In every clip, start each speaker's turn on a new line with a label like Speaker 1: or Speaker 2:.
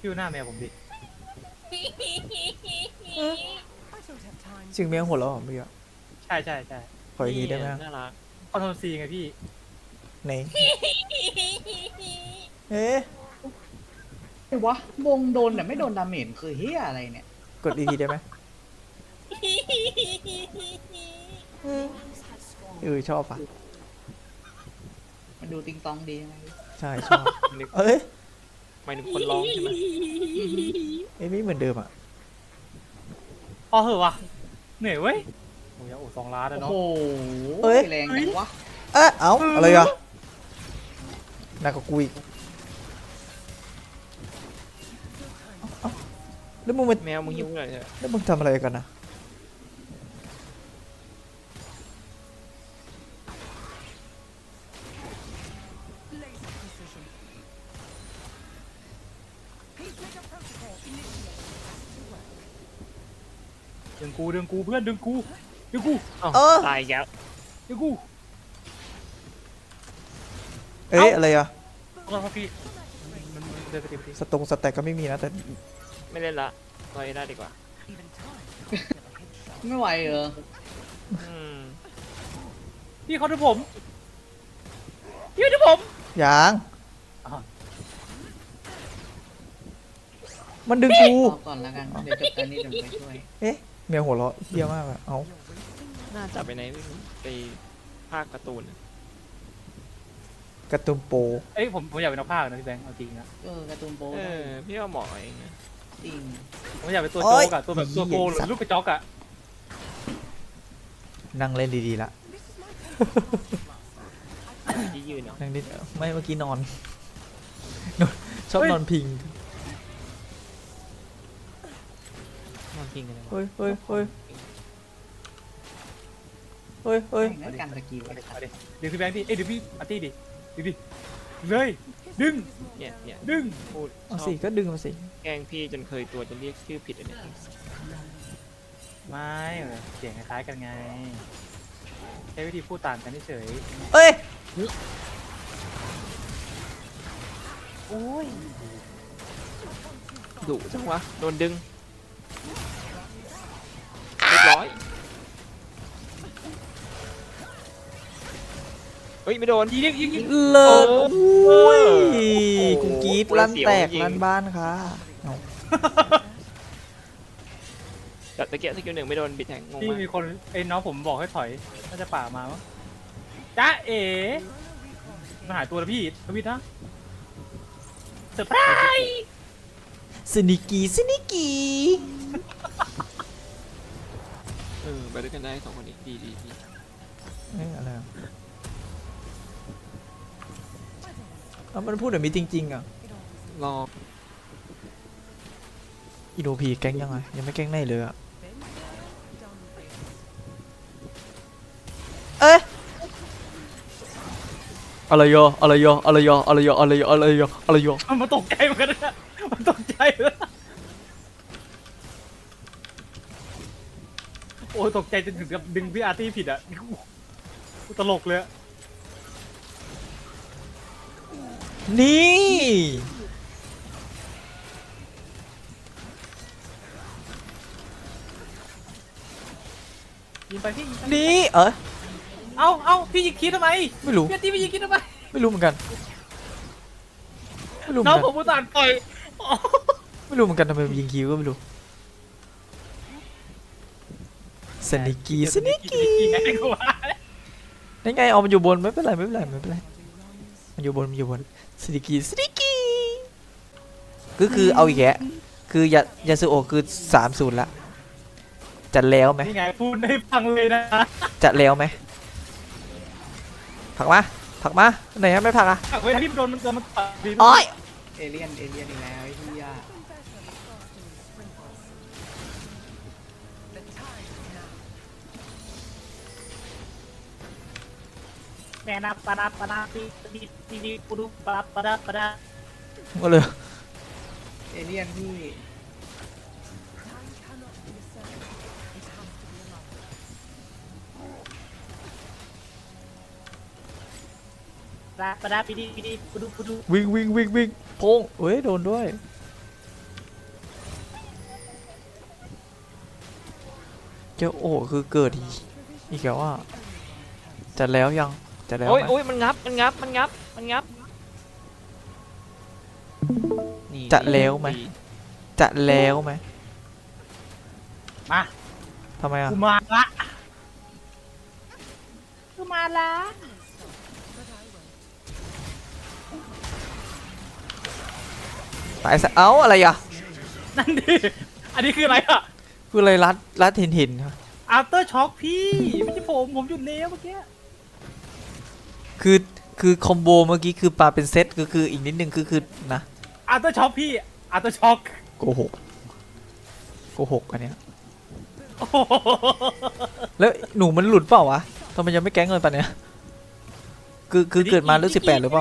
Speaker 1: พี่หน้าแมวผมดิ
Speaker 2: เสียงแมวหัวเราะเหรอเมื่อกี้
Speaker 1: ใช่ใช่ใช่
Speaker 2: ขออีกทีได้ไหม
Speaker 3: น่ารัก
Speaker 1: คอนโทรลซีไงพี่
Speaker 2: ไหนเอ๊ะ
Speaker 4: ไอ้วะวงโดนแต่ไม่โดนดาเมจคือเฮียอะไรเนี่ย
Speaker 2: กดอีกทีได้ไหมชอบอ่ะ
Speaker 4: มันดูติงตองดียังไง
Speaker 2: ใช่ชอบ
Speaker 3: นึก
Speaker 2: เอ้ย
Speaker 3: หมายถึงคนร้องใช่ไหม
Speaker 2: เอ้ยไม่เหมือนเดิมอ่ะ
Speaker 1: พอเหอะวะเหนื่อยเว้ยโอ้ยโอ้2 ล้านแล้ว
Speaker 4: โอ้
Speaker 1: เนาะ
Speaker 4: โหแรงจังวะ
Speaker 2: เอ๊ะเอ้าอะไรอ่ะหนักกว่ากูอีกเอ้าแล้วมึงมา
Speaker 3: แมวมึงหิวเลยเนี่ย
Speaker 2: แล้วมึงทำอะไรกันนะ
Speaker 1: ดึงกูดึงกูเพื่อนดึงกูดึงกู
Speaker 3: อ้าวตายอีกแล้ว
Speaker 1: ดึงกู
Speaker 2: เอ้ยอะไรอ่ะ
Speaker 1: ขอโทษครับพี่มันเดินไปติด
Speaker 2: สตแต็กก็ไม่มีนะแต่
Speaker 3: ไม่เล่นละรอได้ดีกว่า
Speaker 4: ไม่ไหวเหรอ
Speaker 3: อืม
Speaker 1: พี่เขาดูผมพี่ดูผม
Speaker 2: ยาง
Speaker 1: อ้าว
Speaker 2: มันดึงกู
Speaker 4: รอก่อนแล้วกันเดี๋ยวจบการนี้เดี๋ยวไปช่วย
Speaker 2: เอ๊ะแมวหัวเราะเหี้ยมากอ่ะเอ้า
Speaker 3: น่าจะไปไหนไม่รู้ไปภาคการ์ตูนอะ
Speaker 2: การ์ตูนโป
Speaker 1: เอ้ยผมอยากเป็นนักพากย์นะพี่แบงค์เอาจริงนะ
Speaker 4: การ์ตูนโป๊
Speaker 3: เออพี่ว่าเหมาะเองนะ
Speaker 4: จริง
Speaker 1: ผมอยากเป็นตัวโจ๊กอะตัวแบบตัวโกหรือลูกกระจอกอะ
Speaker 2: นั่งเล่นดีๆละ
Speaker 3: ที่ยืนเนาะ
Speaker 2: นั่งนิดไม่เมื่อกี้นอน ชอบนอนพิง
Speaker 3: นอนพิงกันเลยวะ
Speaker 2: เฮ้ยเฮ้ยเฮ้ยเฮ้ยเฮ้ย
Speaker 4: แม่งกันตะกี้
Speaker 1: เอา
Speaker 4: ไว้
Speaker 1: ดิเอาดิดึงพี่แบงค์ดิเอ้ยดึงพี่อาร์ตี้ดิดึงดิเลยดึง
Speaker 3: เนี่ย
Speaker 1: ดึง
Speaker 3: พูด
Speaker 2: เอา
Speaker 3: ชอ
Speaker 2: สิ
Speaker 3: บ
Speaker 2: ก็ดึงมาสิ
Speaker 3: แกล้งพี่จนเคยตัวจะเรียกชื่อผิดอันเนี้ย
Speaker 1: ไม่เสียงคล้ายๆกันไงใช้วิธีพูดต่างกันเฉย
Speaker 2: เอ้ย
Speaker 1: โอ้ย
Speaker 3: ดุจังวะโดนดึงเรียบร้อยเฮ้ยไม่โดน
Speaker 1: ยิง
Speaker 2: เลิศ
Speaker 3: โอ้
Speaker 2: อุ้ย
Speaker 3: โอ้โห
Speaker 2: กูกรีดลั่นแตกลั่นบ้านค่ะเอา
Speaker 3: แต่ตะเกียบสกิลหนึ่งไม่โดนบิดแทงงง
Speaker 1: ที่
Speaker 3: มาก
Speaker 1: มีคนไอ้น้องผมบอกให้ถอยน่าจะป่ามามั้งจ้าเอ๋มาหายตัวแล้วพี่ทวิตนะเซอร์ไพรส์
Speaker 2: สนิกีสนิกี
Speaker 3: ไปด้วยกันได้สองคนนี้ดี
Speaker 2: เอ้ยอะไรอะเอามันพูดแบบนี้จริงๆอ่ะ
Speaker 3: รอ
Speaker 2: อีโนพีแก๊งยังไงยังไม่แก๊งไหนเลยอ่ะเอ๊ะอะไรโยอะไรโยอะไรโยอะไรโยอะไรโยอะไรโยอะไรโย
Speaker 1: มันตกใจเหมือนกันนะมันตกใจเลยโอ้ยตกใจจนถึงกับดึงพี่อาร์ตี้ผิดอ่ะตลกเลยอะ
Speaker 2: นี่
Speaker 1: ยิงไปพี่ยิงไป
Speaker 2: นี่
Speaker 1: เอ้าพี่ยิงคิดทำไม
Speaker 2: ไม่รู้
Speaker 1: พี่อาร์ตี้พี่ยิงคิดทำไม
Speaker 2: ไม่รู้เหมือนกันไม่รู้เหมื
Speaker 1: น้
Speaker 2: อ
Speaker 1: อน งผ
Speaker 2: กัน
Speaker 1: มอุตส่าห์ปล่อย
Speaker 2: ไม่รู้เหมือนกันทำไมมันยิงคิวก็ไม่รู้สนิกีสนิกี
Speaker 1: ไงกูว่า
Speaker 2: นั่นไงเอามันอยู่บนไม่เป็นไรไม่เป็นไรไม่เป็นไรมันอยู่บนมันอยู่บนสนิกีสนิกีก็คือเอาอีกแกะคือยาสุโอะคือ3-0ละจัดแล้วไหม
Speaker 1: นี่ไงพูดให้ฟังเลยนะ
Speaker 2: จัดแล้วไหมผลักมาผลักมาไหนฮะไม่ผลักอ่ะ
Speaker 1: เวลาที่โดนมันปัดดี
Speaker 2: อ้อย
Speaker 4: เอเลี่ยนอีกแล้วไอ้เฮีย
Speaker 1: แม่นับปะนับปะนับปีปุรุปะปะนับปะนับ
Speaker 2: มาเลย
Speaker 4: เอเลี่ยนที่
Speaker 1: ปะนับปีปุรุ
Speaker 2: วิ่งวิ่งวิ่งวิ่งโพงเฮ้ยโดนด้วยเจ้าโอ้คือเกิดอีกแล้วอ่ะจัดแล้วยังจัดแล้ว
Speaker 3: โอ้ย
Speaker 2: ไหม
Speaker 3: โอ้ยมันงับมันงับมันงับมันงับนี่
Speaker 2: จัดแล้วไหม
Speaker 3: ดี
Speaker 2: จัดแล้วไหม
Speaker 1: มา
Speaker 2: ทำไมอ่ะ
Speaker 1: กูมาละกูมาละ
Speaker 2: ตายซะเอ้าอะไรอ่ะ
Speaker 1: นั่นดิอันนี้คืออะไรอะ
Speaker 2: คืออะไรรัดเห็นครับ
Speaker 1: after shock พี่ไม่ใช่ผมหยุดเลี้ยวเมื่อกี้
Speaker 2: คือคอมโบเมื่อกี้คือปลาเป็นเซตคืออีกนิดนึงคือนะ
Speaker 1: after shock พี่ after shock
Speaker 2: โกหกอันเนี้ย
Speaker 1: โอ้โห
Speaker 2: แล้วหนูมันหลุดเปล่าวะทำไมยังไม่แก๊งเงินปะเนี้ยคือเกิดมารุ่น18หรือเปล่า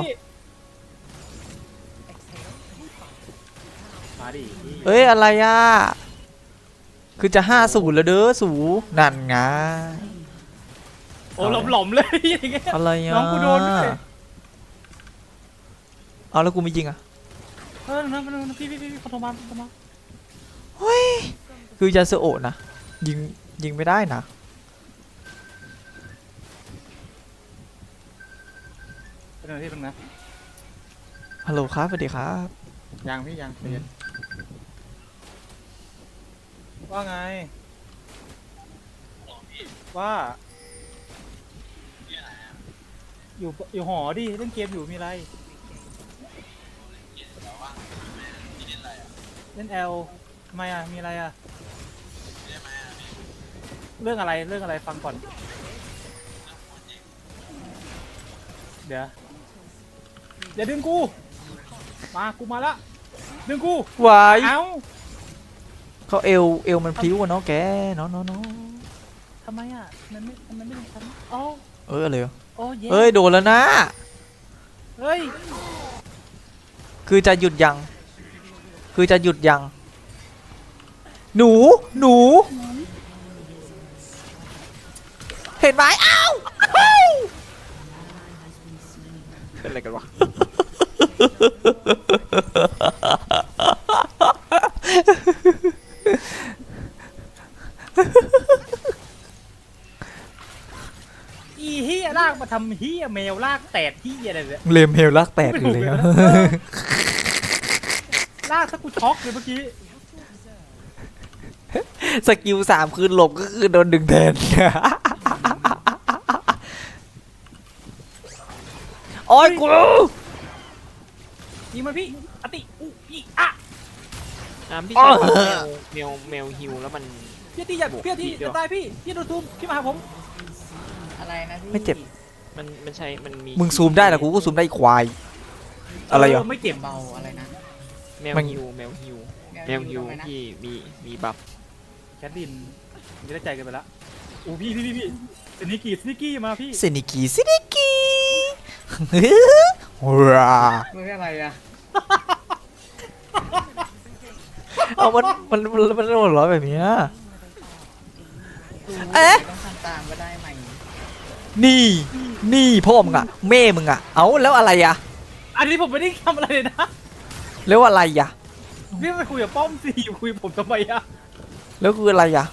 Speaker 1: มาดิ
Speaker 2: เอ้ยอะไรอ่ะคือจะ50แล้วเด้อสูนั่นไง
Speaker 1: โอ้หลอมๆเลยอย่างเงี้ย
Speaker 2: อะไรอ่ะ
Speaker 1: น้องกูโดนด้วย
Speaker 2: เอาแล้วกูไม่ยิงอ่ะ
Speaker 1: นั่นพี่ขอโทรมา
Speaker 2: คือยาสโอะนะยิงไม่ได้นะ
Speaker 1: เป็นอะไรที่ตรงนะ
Speaker 2: ฮัลโหลครับสวัสดีครับ
Speaker 1: ยังพี่ยังเรียนว่าไงว่าอยู่หอดิเล่นเกมอยู่มีอะไรเล่นแอลทำไมอ่ะมีอะไรอ่ะเรื่องอะไรฟังก่อนเดี๋ยวดึงกูมาละดึงกู
Speaker 2: วาย
Speaker 1: เอ้า
Speaker 2: เขาเอวมันพลิ้วอะเนาะแกเนาะ
Speaker 1: ทำไมอ่ะมันไม่ดึงฉันอ๋อ
Speaker 2: อะไรวะ
Speaker 1: โอ้เย้
Speaker 2: เอ้ยโดนแล้วนะ
Speaker 1: เฮ้ย
Speaker 2: คือจะหยุดยังหนูเห็นไหมอ้าว
Speaker 3: เป็นอะไรกันวะ
Speaker 1: อีเฮียลากมาทำเฮียแมวลากแตดเฮียอะไรเนี่ย
Speaker 2: เลมเฮลลักแตกอยู่เลย
Speaker 1: ลากถ้ากูช็อกเลยเมื่อกี้
Speaker 2: สกิล3คือหลบก็คือโดนดึงแทน โอ้ยกู
Speaker 1: ยิงมันพี่อติอุอีอ่ะ
Speaker 3: พี่ชายแมวฮิวแล้วมัน
Speaker 1: พี่ตีอย่าจะตายพี่โดนซูมพี่มาหาผม
Speaker 4: อะไรนะพี่
Speaker 2: ไม่เจ็บ
Speaker 3: มันใช้มันมี
Speaker 2: มึงซูมได้เหรอกูก็ซูมได้อีกควาย อะไรอ่ะ
Speaker 1: ไม่เจ็บ
Speaker 4: เบาอะไรนะ
Speaker 3: แมวฮิวแมวฮิว
Speaker 4: ทำไมนะ
Speaker 3: ที่มีบัฟ
Speaker 1: แคทดินไม่ได้ใจกันไปละโอ้พี่สนิกี้มาพี่
Speaker 2: ซินิกีว้า
Speaker 4: ไม่ใช่อะไรอะ
Speaker 2: เอามันหัวเร้อยแบบเนี้ย เอ๊ะ
Speaker 4: ต้องทำตามก็ได้ไหม
Speaker 2: นี่พ่อมึงอะแม่มึงอะเอาแล้วอะไรอะ
Speaker 1: อันนี้ผมไม่ได้ทำอะไรเลยนะ
Speaker 2: แล้วอะไรอะ
Speaker 1: พี่ไปคุยกับป้อมสิคุยกับผมทำไมอะ
Speaker 2: แล้วคืออะไรอะ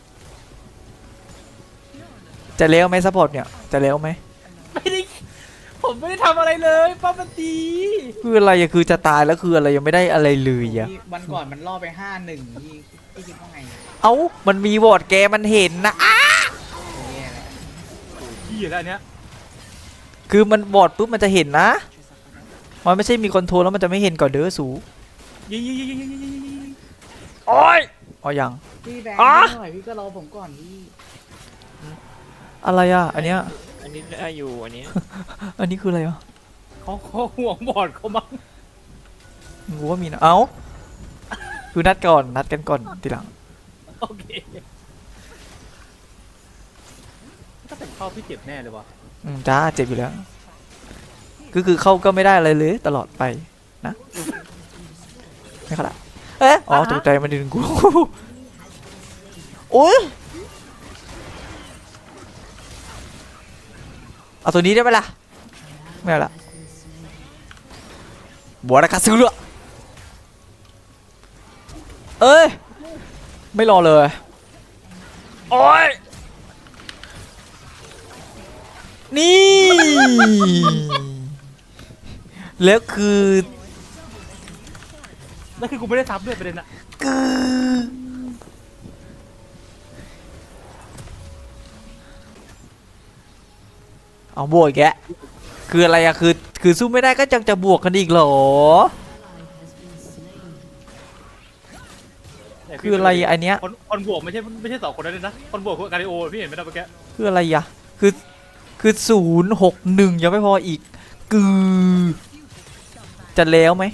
Speaker 2: จะเลี้ยวไหมซัพพอร์ตเนี่ยจะเลี้ยวไหม
Speaker 1: ผมไม่ได้ทำอะไรเลยป้อมมันตี
Speaker 2: คืออะไรอะคือจะตายแล้วคืออะไรยังไม่ได้อะไรเลยอะ
Speaker 4: พี่วันก่อนมันล่อไป5-1พี่คิดว่าไง
Speaker 2: เอ้ามันมีวอร์ดแกมันเห็นนะอ้า
Speaker 4: แย่แล้ว
Speaker 1: พี่แล้วอันเนี้ย
Speaker 2: คือมันวอร์ดปุ๊บมันจะเห็นนะมันไม่ใช่มีคอนโทรลแล้วมันจะไม่เห็นก่อนเด้อสู
Speaker 1: ยิง
Speaker 2: โอ้ยอ๋อยัง
Speaker 4: พี่แบงค์
Speaker 2: อ๋อ
Speaker 4: หน่อยพี่ก็รอผมก่อนพี่
Speaker 2: อะไรอะอันเนี้ย
Speaker 3: อันนี้ได้อยู่อันนี้
Speaker 2: อันนี้คืออะไรวะ
Speaker 1: เขาห่วงบอดเขามั้ง
Speaker 2: กูว่ามีนะเอ้าคือนัดกันก่อนทีหลัง
Speaker 1: โอเคถ้าเป็นเข้าพี่เจ็บแน่เลยวะ
Speaker 2: จ้าเจ็บอยู่แล้วคือเข้าก็ไม่ได้อะไรเลยตลอดไปนะไม่ขนาดเอ๊ะอ๋อตกใจมันดึงกู โอ้ยเอาตัวนี้ได้ไหมล่ะไม่เอาละบัวราคาซื้อเลยเอ้ยไม่รอเลยโอ้ยนี่ แล้วคือ
Speaker 1: แล้วคือกูไม่ได้ซับด้วยประเด็นอะ
Speaker 2: เอาบวกอีกแกะคืออะไรอะคือสู้ไม่ได้ก็ยังจะบวกกันอีกเหรอ คืออะไรอันเนี้ย
Speaker 1: คนบวกไม่ใช่2 คนนั้นเลยนะคนบวกคือการิโอพี่เห็นไหมนะเมื่อกี้
Speaker 2: คืออะไรอะคือ061ยังไม่พออีกจะแล้วไหม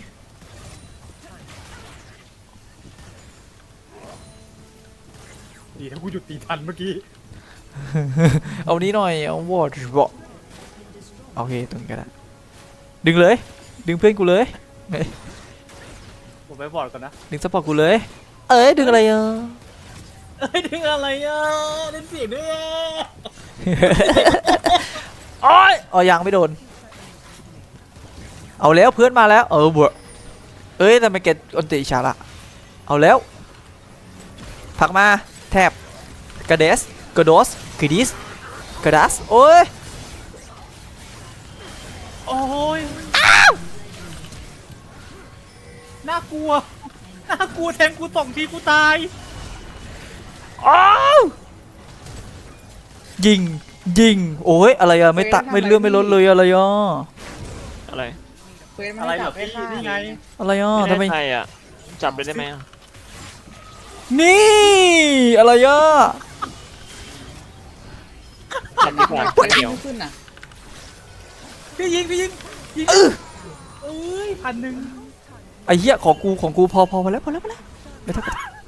Speaker 1: ดีถ้ากูหยุดตีทันเมื่อกี้
Speaker 2: เอานี้หน่อยเอาวอร์ดบอกโอเคตรงนี้ก็ได้ดึงเลย ดึงเพื่อนกูเลยเฮ้ย
Speaker 1: ผมไปบอร์ดก่อนนะ
Speaker 2: ดึงสปอร์ตกูเลย เอ้ยดึงอะไรอ่ะ
Speaker 1: เอ้ยดึงอะไรอ่ะเล่นเสียงด้วยอะ
Speaker 2: โอ้ยอ๋อยังไม่โดน เอาแล้วเพื่อนมาแล้วบวกเอ้ยทำไมแกอันติฉาละเอาแล้วผลักมาแทบกระเดสกระโดสกระดิสกระดัสโอ้ย
Speaker 1: โอ้ยน่ากลัวแทงกู2 ทีกูตาย
Speaker 2: อ้าวยิงโอ้ยอะไรอะไม่ตักไม่เลื่อนไม่ลดเลยอะไรอ่ะ
Speaker 3: อะไร
Speaker 4: เควสมัน
Speaker 1: อะไร
Speaker 4: ให้
Speaker 1: เหร
Speaker 4: จั
Speaker 1: อบ
Speaker 4: ให้
Speaker 1: พี่
Speaker 4: ฆ่า
Speaker 1: นี่ไง
Speaker 2: อะไรอ่ะ
Speaker 3: ไม่
Speaker 2: ทำไม
Speaker 3: ได้ใครอ่ะจับเลยได้ไหมอะ
Speaker 2: นี่อะไรอ่ะ
Speaker 3: จับดีกว่า
Speaker 4: เควส
Speaker 3: เดียว
Speaker 4: ไม่ขึ้นน่ะ
Speaker 1: พี่ยิงเอ้ย1,000
Speaker 2: ไอ้เหี้ยของกูพอแล้วไม่ต้อง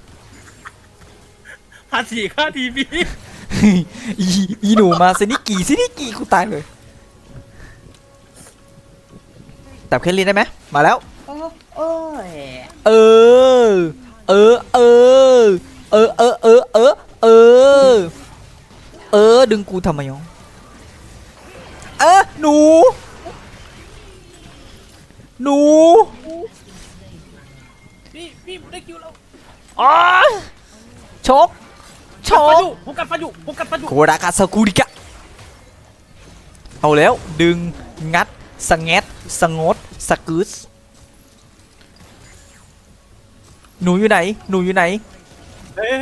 Speaker 1: 1,400ค่าทีวี
Speaker 2: อีหนูมาซินิกี่กูตายเลยแต่เคลลินได้ไหมมาแล้ว
Speaker 4: เออเอ้ย
Speaker 2: เออเออเออเออเออเออเออเออเออดึงกูทำไมอ่ะหนู
Speaker 1: พี่ได้คิวแล้ว
Speaker 2: อ๋อชก
Speaker 1: ผมกัดฟันอยู่
Speaker 2: โคดากาซากุริกะเอาแล้วดึงงัดสงแงดสงดสกูสหนูอยู่ไหน
Speaker 1: เอ้ย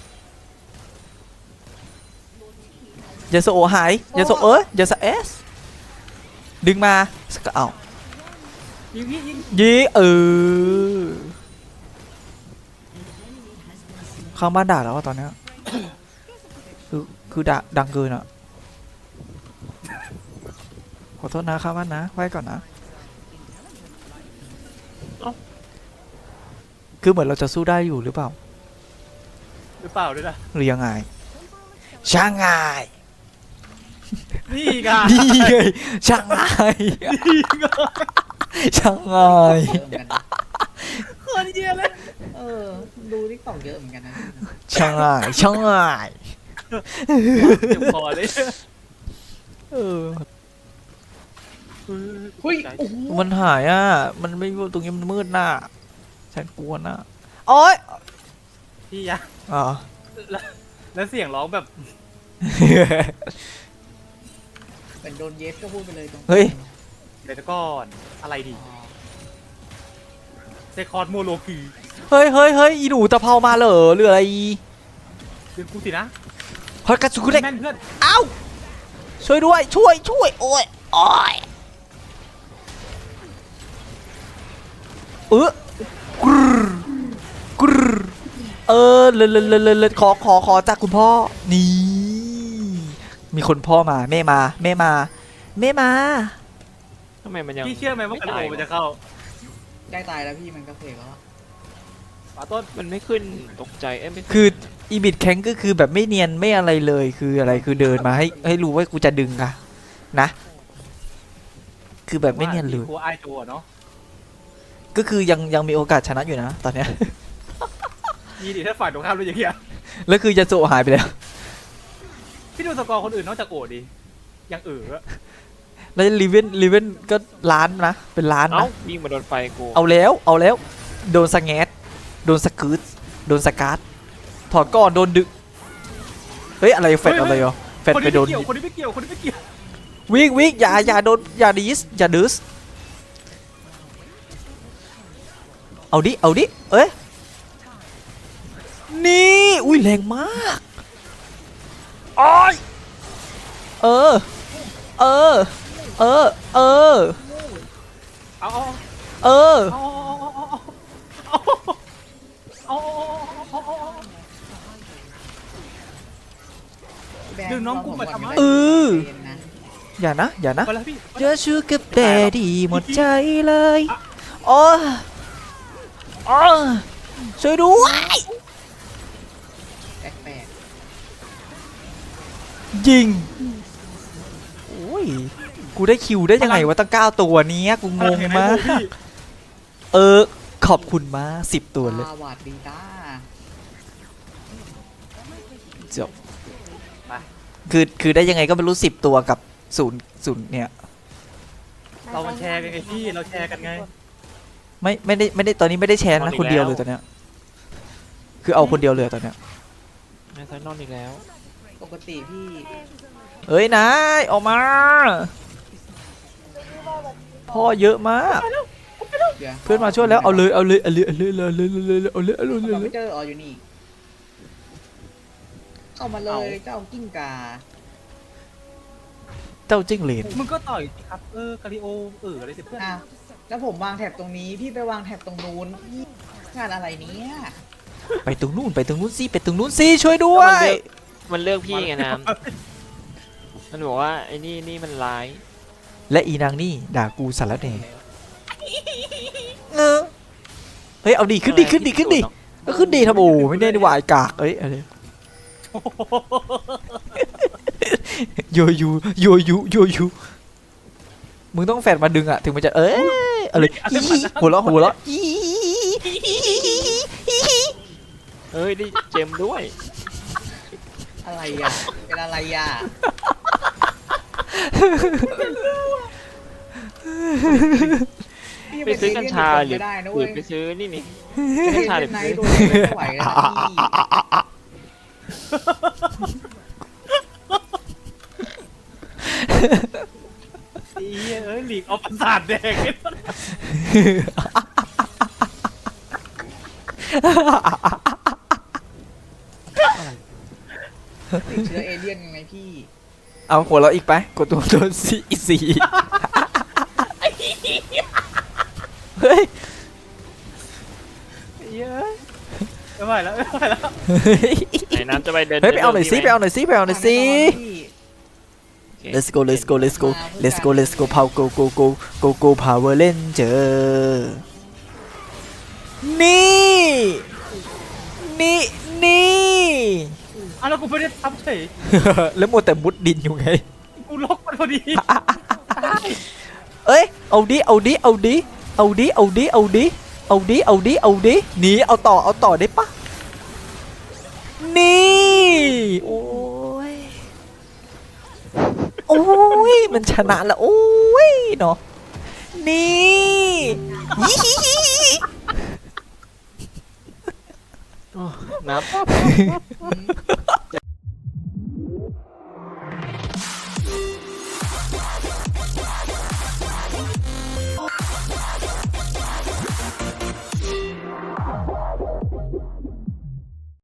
Speaker 2: ยาโซโอหายยาโซยาโซเอสดึงมาสกเอา
Speaker 1: ยิง
Speaker 2: ยีข้างบ้านด่าแล้วอะตอนเนี้ยคือด่าดังเกินอ่ะขอโทษนะข้างบ้านนะไว้ก่อนนะคือเหมือนเราจะสู้ได้อยู่หรือเปล่า
Speaker 1: หรือเปล่าด้วยนะ
Speaker 2: หรือยังไงช่างไง
Speaker 1: นี่ไง
Speaker 2: นี่ไงช่างไงช่างไง
Speaker 4: เยอะเหมือนกันนะ
Speaker 1: คนเยี่ยเลย
Speaker 4: เออดูทิกตอกเยอะเหมือนกันนะ
Speaker 2: ช่างไง
Speaker 1: เจ็บคอเลย
Speaker 2: เออ
Speaker 4: เฮ้ยโอ้โห
Speaker 2: มันหายอ่ะมันไม่ตรงนี้มันมืดหน้าฉันกลัวนะโอ๊ย
Speaker 1: พี่ยะ
Speaker 2: อ๋อ
Speaker 1: แล้วเสียงร้องแบบ
Speaker 4: เป็นโดนเยสก็พูดไปเลยตรง
Speaker 2: เฮ้ย
Speaker 1: เดี๋ยวก่อนอะไรดีเซคอร์ดโมโลกี
Speaker 2: เฮ้ยอีหนูตะเภามาเหรอหรืออะไร
Speaker 1: เดี๋ยวกูสินะ
Speaker 2: เฮ้ยกระสุนกูเด็ก
Speaker 1: แม่นเพื่อน
Speaker 2: เอ้าช่วยด้วยช่วยโอ้ยกรึเลยขอจากคุณพ่อนี่มีคนพ่อมาแม่มา
Speaker 3: ทำไมมันยัง
Speaker 1: พี่เชื่อไหมว่าการิโอมันจะเข้า
Speaker 4: ได้ตายแล้วพี่มันก็เพลแล้วอะ
Speaker 1: ป่าต้น
Speaker 3: มันไม่ขึ้นตกใจไม่ขึ้น
Speaker 2: คืออีบิดแข็งก็คือแบบไม่เนียนไม่อะไรเลยคืออะไรคือเดินมาให้รู้ว่ากูจะดึงอะนะ คือแบบไม่เนียนเลย
Speaker 1: กูไอตัวเนาะ
Speaker 2: ก็คือยังมีโอกาสชนะอยู่นะตอนเนี้ย
Speaker 1: มีดิถ้าฝ่ายตรงข้ามรู้อย่างเงี้ย
Speaker 2: แล้วคือยาโซหายไปแล้ว
Speaker 1: พี่ดูสกอร์คนอื่นนอกจากโอดิยังอะ
Speaker 2: แล้วลีเวนก็ล้านนะเป็นล้าน
Speaker 3: เอ้า
Speaker 2: นะ
Speaker 3: ยิงมาโดนไฟกู
Speaker 2: เอาแล้วโดนสแงดโดนสกูตโดนสการ์ดถอดก่อนโดนดึกเฮ้ยอะไรแฟดอะไรอ่ะแฟด
Speaker 1: คน
Speaker 2: ไป
Speaker 1: นี้
Speaker 2: โด
Speaker 1: ไม่
Speaker 2: น
Speaker 1: เกี่ยวคนนี้ไม่เกี่ยวคนนี้ไม่เกี่ยว
Speaker 2: วิ่งอย่าโดนอย่าดิสอย่าดิสเอาดิเอ้ยนี่อุ้ยแรงมากโอ้ยเออ
Speaker 1: เอาเอา
Speaker 2: เออ
Speaker 1: เอาเอาเอา
Speaker 4: แบง
Speaker 1: ดึงน้องกูมาทำไม
Speaker 2: เออ
Speaker 4: เย็นนะ
Speaker 2: อย่านะ
Speaker 1: ไปแล้วพี่
Speaker 2: เจอชูกับแดดีหมดใจเลยโอ้ช่วยด้วย
Speaker 4: แปลก
Speaker 2: ยิงโอ้ยกูได้คิวได้ยังไงวะตั้ง9ตัวเนี้ยกูงงมากขอบคุณมาก10
Speaker 4: ๆ
Speaker 2: ตัวเลย
Speaker 4: สวัสดีจ้า
Speaker 2: จบคือได้ยังไงก็ไม่รู้10 ตัวกับ0เนี่ย
Speaker 1: เรามาแชร์กันไงพี่เราแชร์กันไง
Speaker 2: ไม่ได้ตอนนี้ไม่ได้แชร์นะคนเดียวเลยตอนเนี้ยคือเอาคนเดียวเลยตอนเนี้ย
Speaker 3: นายไซนอนอีกแล้ว
Speaker 4: ปกติพี่
Speaker 2: เฮ้ยนายออกมาพ่อเยอะมาก
Speaker 4: เดี๋ยว
Speaker 2: เพื่อนมาช่วยแล้วเอาเลย
Speaker 4: คอมพิวเตอร์อ๋ออยู่นี่ เข้ามาเลยเจ้ากิ้งกา
Speaker 2: เจ้าจิ้งเหลน
Speaker 1: มึงก็ต่อยสิครับกาลิโออะไรสิเพื่อน
Speaker 4: อ้าวแล้วผมวางแถบตรงนี้พี่ไปวางแถบตรงนู้นพี่งานอะไรเนี้ย
Speaker 2: ไปตรงนู้นสิช่วยด้วย
Speaker 3: มันเลือกพี่ไงน้ำมันบอกว่าไอ้นี่มันร้าย
Speaker 2: และอีนางนี่ด่ากูสารแหน่เฮ้ยเอาดีขึ้นดีก็ขึ้นดีทำโอ้ไม่ได้ดีวายกากเอ้ยอะไรโยยูมึงต้องแฟนมาดึงอะถึงมันจะอะไรหัวเราะ
Speaker 3: เอ้ยได้เจมด้วย
Speaker 4: อะไรอ่ะ เป็นอะไรอ่ะ พี่
Speaker 3: ไปซื้อกัญชาหรือ
Speaker 4: ไม่ได้นะ
Speaker 3: หรื
Speaker 4: เว้
Speaker 3: อย ไปซื้อนี่นี่
Speaker 4: ไม่
Speaker 3: กัญชา
Speaker 4: ได้
Speaker 3: หรือ
Speaker 4: ใน
Speaker 3: ไปซื้อ
Speaker 4: ตัวไม่ไหวแล้วนะพี่
Speaker 1: หลีกเอาประสาทแดง
Speaker 4: ติดเชื้อเอเลี่ยนยังไงพี่
Speaker 2: เอาหัวเราะอีกไปกดตัวโดนสีเฮ้ย
Speaker 1: เยอะไม่ไหวแล้ว
Speaker 3: ไหนน้ำจะไปเดิน
Speaker 2: เฮ้ยไปเอาหน่อยสิ
Speaker 3: ดิ
Speaker 2: ไปเอาหน่อยสิ
Speaker 3: โอเค
Speaker 2: let's go power go power ranger นี่
Speaker 1: แล้วกูไม่ได้ทับเฉย
Speaker 2: แล้วมัวแต่มุดดินอยู่ไง
Speaker 1: กูล็อกมันพอดี
Speaker 2: เอ้ยเอาดิหนีเอาต่อได้ปะนี่โอ้ยมันชนะแล้วโอ้ยเนาะนี่ยี่
Speaker 3: น้ำ